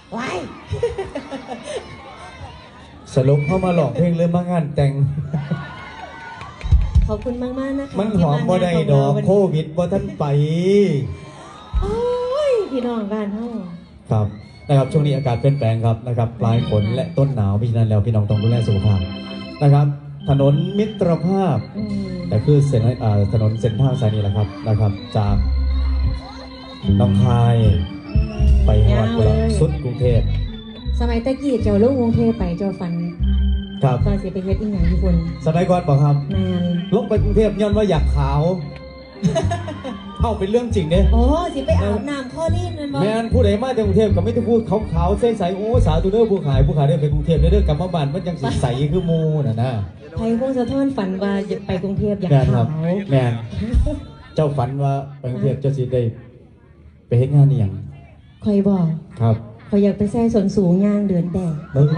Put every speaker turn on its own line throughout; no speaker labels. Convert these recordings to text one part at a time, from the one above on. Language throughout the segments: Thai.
ว้าย
สรุปเข้ามาหลอกเพลงเริ่มมางานแต่ง
ขอบคุณมากๆนะคะ
มันหอมบ่ได้ดอกโควิดบ่ทันไป
โอ้ยพี่น้องบ้านเฮา
ครับนะครับช่วงนี้อากาศเปลี่ยนแปลงครับนะครับปลายฝนและต้นหนาวเพราะฉะนั้นแล้วพี่น้องต้องดูแลสุขภาพนะครับถนนมิตรภาพแต่คือเส้นถนนเส้นทางสายนี้แหละครับนะครับจากหนองคายไปฮอดกุหลาบสุดกรุงเทพ
สมัยตะกี้เจ้าลงกรุงเทพไปเจ้าฝัน
ครับ
ตอนเสียไปเฮ็ดอีหยังญี่ปุ่น
สมัยก่อนบอกครับ
แมน
ลงไปกรุงเทพย้อนว่าอยากขาวเอาเป็นเรื่องจริงเด้
โอ้สิไปอาบน้ำข้อรีนนั่นบ่
แมนผู้ใดมาจากกรุงเทพก็ไม่ต้องพูดขาวๆใสๆโอ้สาธุเด้อผู้ขายได้ไปกรุงเทพได้เด้อกลับมาบ้านมันยังใสคือมูน่ะนะ
ไทยพงศธรฝันว่าจะไปกรุงเทพอยากขาว
แมนเจ้าฝันว่าไปกรุงเทพเจ้าสิได้ไปเฮ็ดงานนี่หยัง
คอยบอก
ครับ
คอยอยากไปแซ่ส่วนสูงย่างเดือนแดด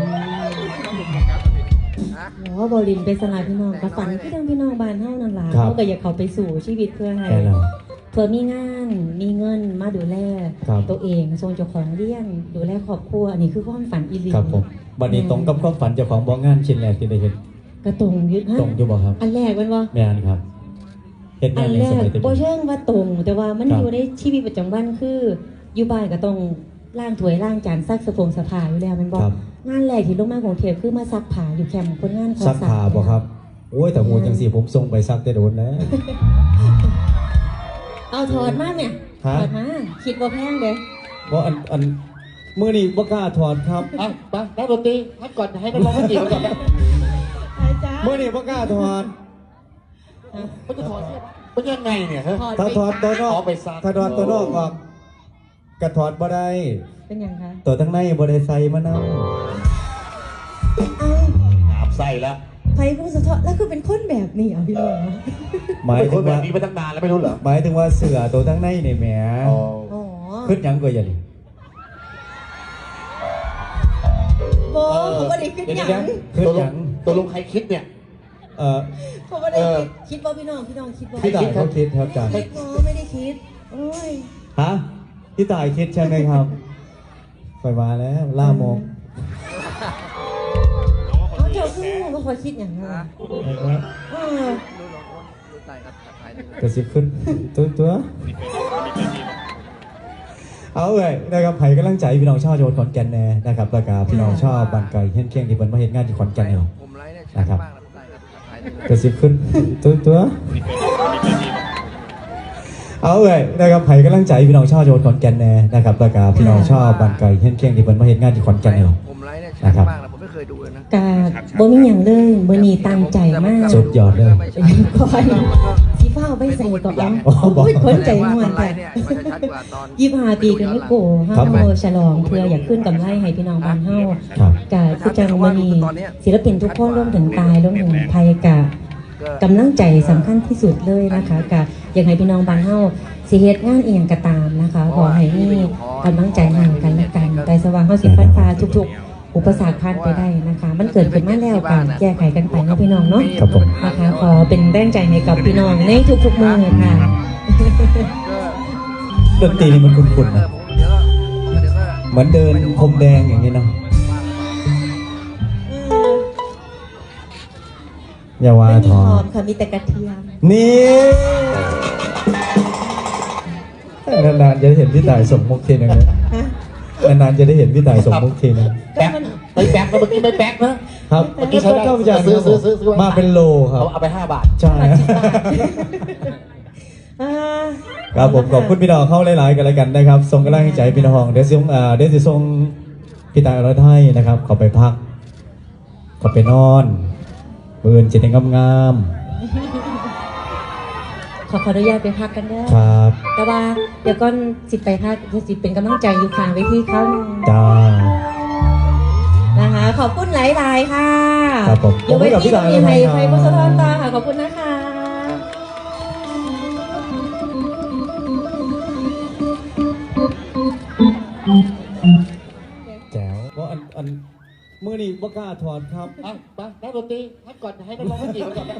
หรอบรินไปสลายพี่น้องกับฝันพี่น้องบ้านเฮานั่นล่ะเขาก็อยากเข้าไปสู่ชีวิตเพื่อให้เพื่อมีงานมีเงินมาดูแลตัวเองทรงเจ้าของเลี้ยงดูแลครอบครัวอันนี้คือความฝันอีหลี
ครับผมบัดนี้ตรงกับความฝันเจ้าของบ่งานชิ้นแรกที่ได้เฮ็ด
กระตรงยึดฮะ
ตรงอยู่บ่ครับ
อันแรกมันบ่
แม่นครับ
เฮ็ดงานในสมัยตะกี้บ่เชิงว่าตรงแต่ว่ามันอยู่ในชีวิตประจำวันคืออยู่บ้านก็ต้องล้างถ้วยล้างจานซักสะผ้าอยู่แล้วมันบ่งานแรกที่ลงมากรุงเทพคือมาซักผ้าอยู่แคมป์คนงาน
ซักผ้าบ่ครับโอ้ยแต่โหจังซี่ผมส่งไปซักแต่โดนแล้ว
เอาถอดมาเนี่ยถอดมาคิดว่าแพงเด้
บ่อันมื้อนี้บ่กล้าถอดครับ
ไปนักดนตรีพักก่อนให้นักร้องเขาจีบก่อนนะ
มื้อนี้บ่กล้าถอด
เขาจะถอดเสื้อเป็นยังไงเนี่ย
ถ้าถอดตัวนอกถ้าถอดตัวนอกออกกระถอดบ่ได้
เป็นยังคะ
ตัวทั้งในบ่ได้ใส่มะนาว
อาบใส่แล้ว
ไทยผู้สะท้อนแล้วคือเป็นคนแบบนี้อ่ะพี่น้อง
หมายถึง
แบบนี้มาตั้งนานแล้วไม่รู้เหรอ
หมายถึงว่าเสือตัวทั้งในนี่แหมขึ้นยังก็อย่าดิ
โบ้เขาไม่ได้ขึ้นยัง
ขึ้นยัง
ตัวลงใครคิดเนี่ย
เขาไม่ได้คิดว่าพี่น้องคิดว่า
พี่ตายเขาคิดครับอาจารย์
ไม่ได้คิดโอ้ย
ฮะพี่ตายคิดใช่ไหมครับไปมาแล้วล่ามก
เขาเจ้าคือเขาคอยคิดอย่างนั้น
กระซิบขึ้นตัวเอาเลยนะครับไผ่กำลังใจพี่น้องชาวจังหวัดขอนแก่นแน่นะครับแล้วก็พี่น้องชาวบ้านไก่เฮี้ยนเคียงที่เพิ่นมาเฮ็ดงานที่ขอนแก่นเนี่ยนะครับกระซิบขึ้นตัวเอาเลยนะครับไผ่กำลังใจพี่น้องชาวจังหวัดขอนแก่นแน่นะครับแล้วก็พี่น้องชาวบ้านไก่เฮี้ยนเคียงที่เพิ่นมาเฮ็ดงานที่ขอนแก่นเนี่ยนะครับ
กาบ่มีอย่างเลยมื้อนี้ตั้งใจมาก
สุดยอดเลย
คอยสิฟ้าไปใส่ก่อนโอ้ยคนใจม่วนแต่25 ปีกันไม่โกเฮาโมฉลองเพื่ออยากขึ้นกำไรให้พี่น้องบ้านเฮากะคือจังมื้อนี้ศิลปินทุกคนรวมถึงตายรวมถึงไผกะกำลังใจสำคัญที่สุดเลยนะคะกะอยากให้พี่น้องบ้านเฮาสิเฮ็ดงานอีหยังก็ตามนะคะขอให้มีกำลังใจให้กันและกันแต่สว่างเฮาสิฟันฟ้าทุกๆอุปสรรคผ่านไปได้นะคะมันเกิดขึ้นมาแล้วกันแก้ไขกันไปนะพี่น้องเนาะ
ครับผม
นะคะขอเป็นแรงใจให้กับพี่น้องในทุกๆมื้อค่ะ
ดนตรีนี่มันคุ้นๆนะเหมือนเดินพรมแดงอย่างนี้เนาะอย่าว่าทอ
มค่ะมีแต่กระเทียม
นี่นานๆจะได้เห็นพี่ต่ายส่งมุกทีนึงนานๆจะได้เห็นพี่ต่ายส่งมุกทีนึง
แป๊กไม่แป๊กนะเมื่อกี้ไม่แป๊กนะครับ
เมื่อกี้เข้าไปจากซื้อมาเป็นโลครับ
เอาไป5 บาท
ใช่ครับผมขอบคุณพี่น้องเข้าหลายๆกันแล้วกันนะครับส่งกำลังใจพี่น้องเดี๋ยวจะส่งพี่ต่ายเราให้นะครับขอไปพักขอไปนอนเบิร์นจิตงาม
ขออนุญาตไปพักกันด้วย
ครับ
แต่ว่าเดี๋ยวก่อนสิไปพักจะเป็นกำลังใจอยู่ข้างเวทีเขา
จ้า
นะคะขอบคุณหลายๆค่ะ
ครับผม
อยู่เวทีมีไทยพุทธทอนตาค่ะขอบคุณนะคะ
แจ๋วเพราะอันมือนี่บ่กล้าถอดครับ
ไปนักดนตรีพักก่อนให้นักร้องเขาจีบก่อนนะ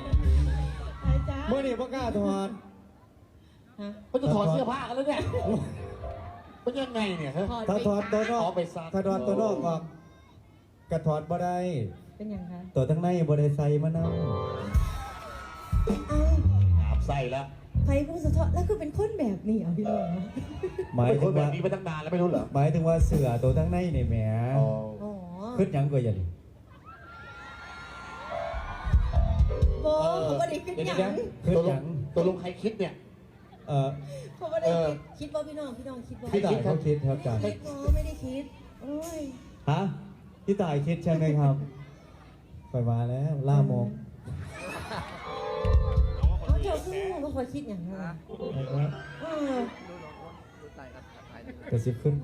มือนี่บ่กล้าถอด
เขาจะถอดเสื้อผ้ากันแล้วเนี่ยเป็นยังไงเนี่ยฮะ
ถ้าถอดตัวนอก
เอาไปซัก
ถ้าถอดตัวนอกออกกระถอดบ่ได้
เป็นยังคะ
ตัวทั้งในบ่ได้ใส่มะนาว
เอา
อาบไส้แล้ว
ไฟผู้สะท้อนแล้วคือเป็นคนแบบนี้เหรอพี่น้อง
หมาย
เป็นค
ถึ
น
ง
แบบ
ว่า
นี้มาตั้งนานแล้วไม่รู้เหรอ
หมายถึงว่าเสือตัวทั้งในนี่แหม
อ๋อ
อ๋อ
ขึ้นหยังก็อย่าดิ
โบเขาไม่ได้ขึ้นหยัง
ขึ้น
ตัว
ห
ล
ยัง ง
ตัวลงใครคิดเนี่ย
เขาไม่ได้คิดว่าพี่น้องคิดว่า
พี่ตายเขาคิดครับอาจารย์
อ๋อไม่ได้คิดโอ้ย
ฮะพี่ตายคิดใช่ไหมครับไปมาแล้วล่าโมง
เขาเจ้าคือว่าคอยคิดอย่างนั้นเออก
ระซิบขึ้น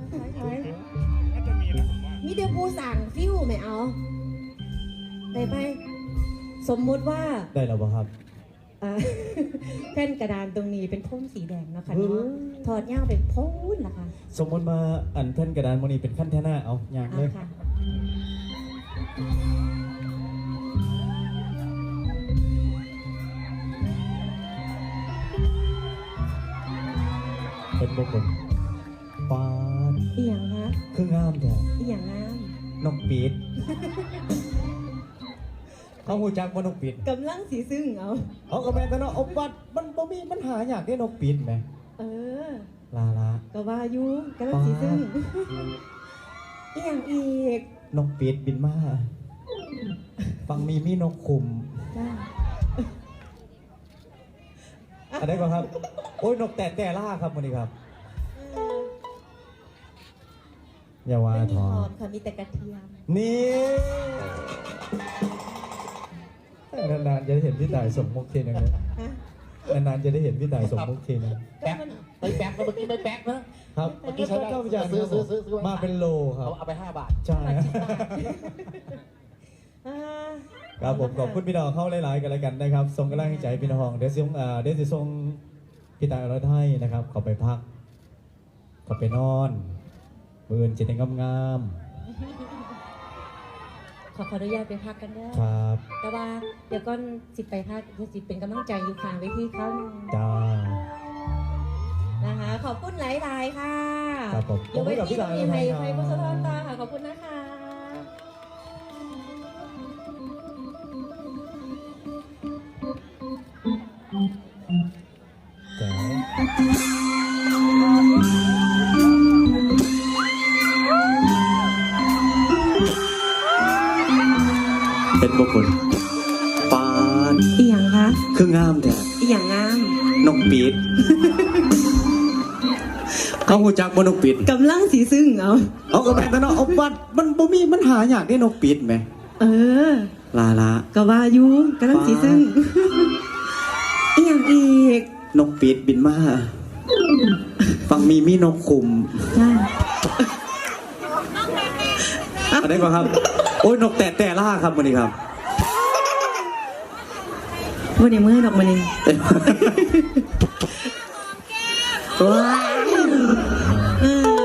มีเดียวผู้สั่งฟิวไม่เอาได้ไปสมมุติว่า
ได้แล้วป่ะครับ
แผ่นกระดานตรงนี้เป็นพ่นสีแดงเนาะค่ะเนาะถอดย่างเป็นพ่นล่ะค่ะ
สมมติมาอันแท่นกระดานโมนีเป็นขั้นแท่หน้าเอาอย่าง
เอา
เลย
ค่ะ
เป็นบุคคลปาน
อีหยังคะ
คืองามแท้
อีหยังงาม
นกปีดเขาหูจักว่านกปีด
กำลังสีซึ่งเอา
เอากระแมนแต่เนาะเอาบัดมันบ่มีปัญหาอยากได้นกปีดไหม
เออ
ลาลา
ก็ว่าอยู่กำลังสีซึ่งอีหยังอีก
นกปีดบินมาฟังมีนกคุม
จ้า
อะไรก่อนครับ โอ้ยนกแต่ล่าครับวันนี้ครับอย่าว่า
ไม่มี
ท
ห
อ
อมค่ะมีแต่กระเทียม
นี่นานๆจะได้เห็นพี่ต่ายสมมุกทีนึงเลย
ฮะ
นานๆจะได้เห็นพี่ต่ายสมมุกทีนึง
แป๊กไปแป๊กนะเมื่อกี้ไม่แป๊กนะครับ เมื่อกี้ใช้ได้
เจ้าพิจารณ์
ซื้อ
มาเป็นโลครับ
เอาไป5 บาท
ใช่
อ่า
ครับผมขอบคุณพี่น้องเข้าหลายๆกันแล้วกันนะครับส่งกำลังใจพี่น้องเดี๋ยวสิส่งพี่ต่ายอรไทยนะครับเขาไปพักเขาไปนอนมือจิตงาม
ขออนุญาตไปพักกันเด้อ
ๆครับ
แต่ว่าเดี๋ยวก่อนสิไปพักเดี๋ยวสิเป็นกำลังใจอยู่ข้างเวทีเขาหนึ่ง
จ้า
นะคะ ขอบคุณหลายๆค่ะ
ครับผม
อยู่เวทีตรงนี้ให้
ขอบคุณครับ
ไฟพุทธทอนตาค่ะ ขอบคุณนะคะ
แจ๋วเป็นบุคคลปาน
อีหยังคะ
คืองามแต่
อีหยังงาม
นกปีดเขาหูจักว่านกปีด
กำลังสีซึ่งเอา
เอากระแมนแต่เนาะเอาบัดมันบ่มีปัญหาอยากได้นกปีดไหม
เออ
ลาลา
ก็ว่าอยู่กำลังสีซึ่งอีหยังอีก
นกปีดบินมาฟังมีนกคุม
จ้า
อะไรก่อนครับ โอ้ยนกแต่ล่าครับวันนี้ครับ
วันนี้เมื่อดอกมันเองว้าวเออ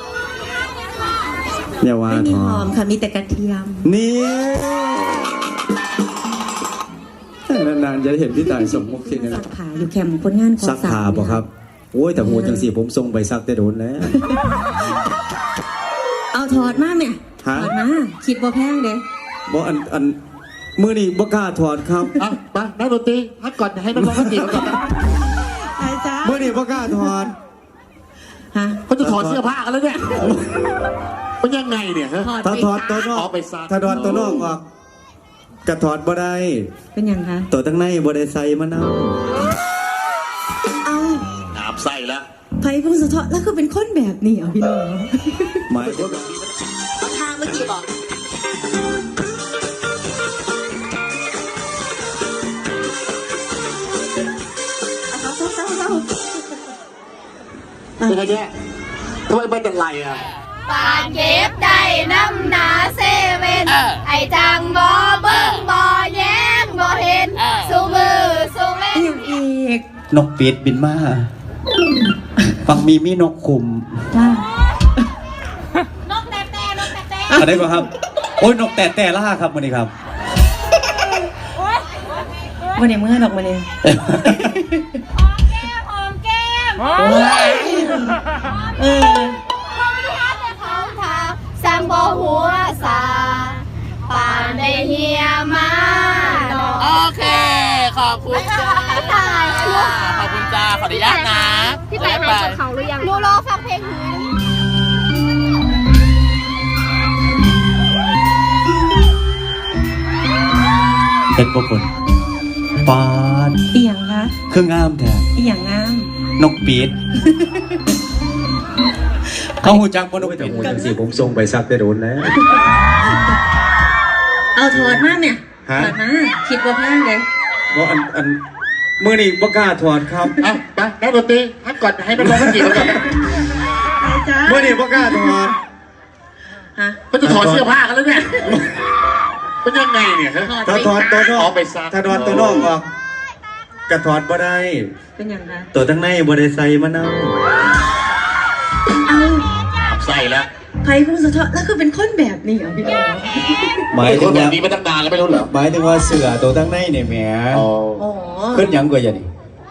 อย่าว่า
ไม่มี
ทอ
หอมค่ะ มีแต่กระเทียม
นี่นานๆจะได้เห็นพี่ต่ายสมมุกทีนึง
สักขาอยู่แคมป์คนงาน
ซักผ้าบ่ครับ โอ้ยแต่โหจังสีผมส่งไปซักแต่โดนแล้ว
เอาถอดมาแม่
ฮะ
ถอดมา คิดบ่แพงเด้
บ่อันมือนี่บ่กล้าถอดครับ
อ่ะมานักดนตรีพักก่อนให้นักร้องเขาจีบก่อนนะ
อาจารย์
มือนี่บ่กล้าถอด
ฮะ
เขาจะถอดเสื้อผ้ากันแล้วเนี่ยเป็นยังไงเนี่ยฮะ
ถ้าถอดตัวนอก
เอาไปซัก
ถ้าถอดตัวนอกออกกระถอดบ่ได้
เป็นยังคะ
ตัวทั้งในบ่ได้ใส่มะนาว
เอา
อาบไส้แล้ว
ไฟผู้สะท้อนแล้วคือเป็นคนแบบนี้เหรอพี่น้อง
หมายถึง
ทางเมื่อกี้บอกเศร้า
เป็นไงเนี่ยทำไมเป็นอะไรอ่ะ
ปานเก็บได้น้ำหนาเซเว่นไอจังบ่เบิ่งบ่แย้งบ่เห็นสู้มือสู้เล่
อี
น
กอย่างอีก
นกปีดบินมาฟังมีนกคุม
จ้าน
กแต่นกแต่
อะไรก่อนครับ โอ้ยนกแต่ล่าครับวันนี้ครับ
วันนี้เมื่อดอกมันเอง
หอมแก้ม
เออ
บ่หัวสาป่านได้เฮียมาเนาะ
โอเค ขอบคุณจ้าขอบคุณจ้าขออนุญาตนะ
พี่ไปหาจากเขาหรือยังหนูรอฟังเพลงหืน
เป็นพวกคนปาน
อีหยังคะ
เครื่องงามแท้
อีหยังงาม
นกปีดเขาหูจักบ่นกปีดหูจังสิผมส่งไปซักได้โดนแล้ว
เอาถอดมาเนี่ย
ฮะ
ถอดมาคิดว่าแพงเลย
บ่อันมื้อนี้บ่กล้าถอดครับ
เอาไปนักดนตรีพักก่อนให้มันร้องกันกี่คนก่อน
จ้า
มื้อนี้บ่กล้าถอด
ฮะ
มันจะถอดเสื้อผ้ากันแล้วเนี่ยเป็นยังไงเนี่ยฮะ
ถ้าถอดตัวนอก
เอาไปซัก
ถ้าถอดตัวนอกออกกระถอดบ่ได้
เป็นหยังคะ
ตัวทั้งในบ่ได้ใส่มะนาว
เอา
ใส่แล้ว
ไผ่คุณสะท้อนแล้วคือเป็นคนแบบนี้เหรอพี่น้อง
หมาย
ไอ้ค
ถึ
น
ง
แบ
ว่า
บนี้มาตั้งนานแล้วไม่รู้เหรอ
หมายถึงว่าเสื้อตัวทั้งในเนี่ยแหม
อ๋อ
อ๋อ
ขึ้นหยังกว่าอย่างนี้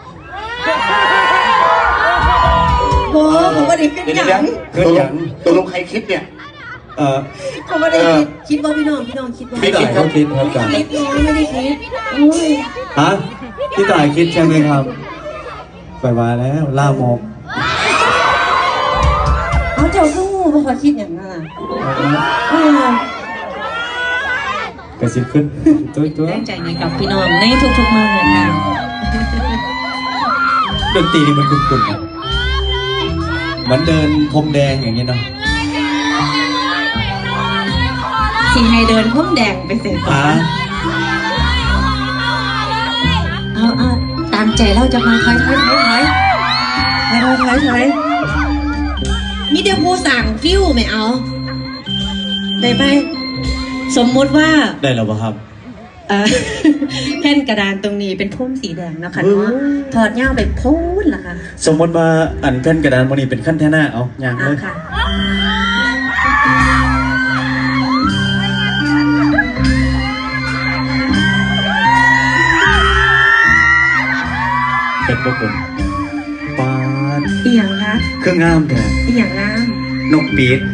โอ้ผมว่าได้ขึ้น
เดี๋ยว
หยัง
ขึ้นหยัง
ตัวลงใครคิดเนี่ย
ผมว่าได้คิดว่าพี่น้องคิดว่า
พี่ต่ายเขาคิดครับจ้ะ
คิดน้องไม่ได้คิดอุ้ย
ฮะพี่ต่ายคิดใช่ไหมครับไปมาแล้วล่ามก
เอาเจ้าก็งูเพราะเขาคิดอย่างนั้นอ่ะ
กระซิบขึ้นตัว
แรงใจในกับพี่น้องในทุกๆมื้อค่ะ
ดนตรีนี่มันคุ้นๆนะเหมือนเดินพรมแดงอย่างนี้เนาะ
สีให้เดินพุ่มแดงไปเสร็จก่อ
ฮะ
นเอาตามใจเราจะมาถอยนี่เดี๋ยวผู้สั่งฟิวไม่เอาได้ไปสมมุติว่า
ได้แล้วป่ะครับ
แผ่นกระดานตรงนี้เป็นพุ่มสีแดงนะคะเนาะถอดเงาไปพูดล่ะค่ะ
สมมติว่าอันแผ่นกระดานมันนี้เป็นขั้นแท่หน้าเอาอย่างเลย
ค่ะ
เป็นพวกคนปาน
อีหยังคะ
เครื่องงามแท้
อีหยังงาม
นกปีด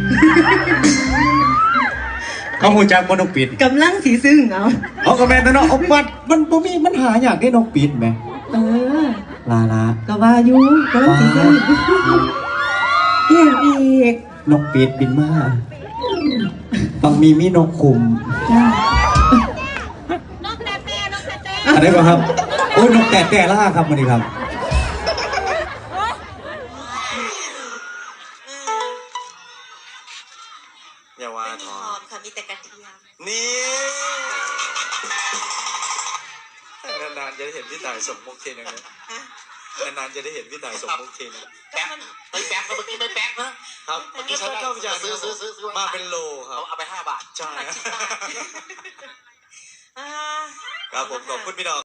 เขาหูจักบ่นกปีด
กำลังสีซึ่งเอา
เอากระแมนตัวเนาะเอาปัดมันบ่มีมันหาอยากได้นกปีดไหม
เออ
ลาลา
ก็ว่าอยู่กำลังสีซึ่งอีหยังอีก
นกปีดบินมาบางมีนกคุม
จ้า
อะไรบ้างครับโอ้ยนกแต่ล่าครับวันนี้ครับอย่าว่าทอ
มค่ะมีแต่กระเทียม
นี่นานๆจะได้เห็นพี่ต่ายสมมุกทีนึงนะนานๆจะได้เห็นพี่ต่ายสมมุกทีนึง
แป๊กไปแป๊กเมื่อกี้ไม่แป๊กนะครับ เมื่อกี้ฉันเข้าไปซื้อ
มาเป็นโลครับ
เอาไป5 บาท
ใช่ครับผมขอบคุณพี่น้อง